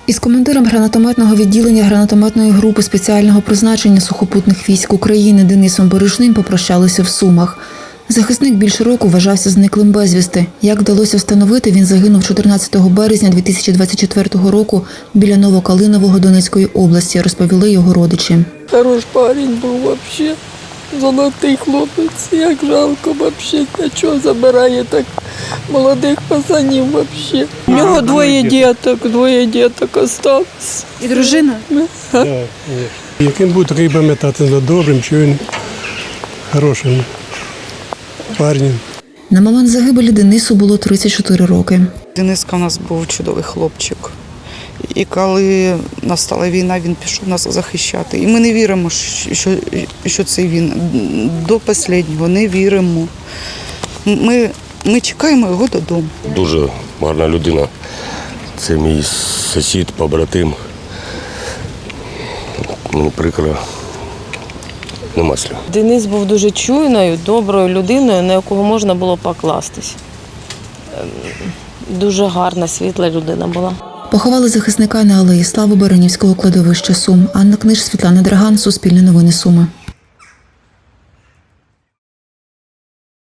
Із командиром гранатометного відділення гранатометної групи спеціального призначення сухопутних військ України Денисом Бережним попрощалися в Сумах. Захисник більше року вважався зниклим безвісти. Як вдалося встановити, він загинув 14 березня 2024 року біля Новокалинового Донецької області, розповіли його родичі. Хороший парень був взагалі, золотий хлопець, як жалко взагалі, а чого забирає так молодих пацанів взагалі. У нього двоє діток осталось. І дружина? Яким буде риба метати за добрим, чуйним, хорошим парнем. На момент загибелі Денису було 34 роки. Дениска у нас був чудовий хлопчик. І коли настала війна, він пішов нас захищати. І ми не віримо, що це він. До останнього не віримо. Ми чекаємо його додому. Дуже гарна людина. Це мій сусід, побратим. Мені прикро. Нема слів. Денис був дуже чуйною, доброю людиною, на якого можна було покластись. Дуже гарна, світла людина була. Поховали захисника на алеї Слави Баранівського кладовища Сум. Анна Книж, Світлана Драган, Суспільне новини Суми.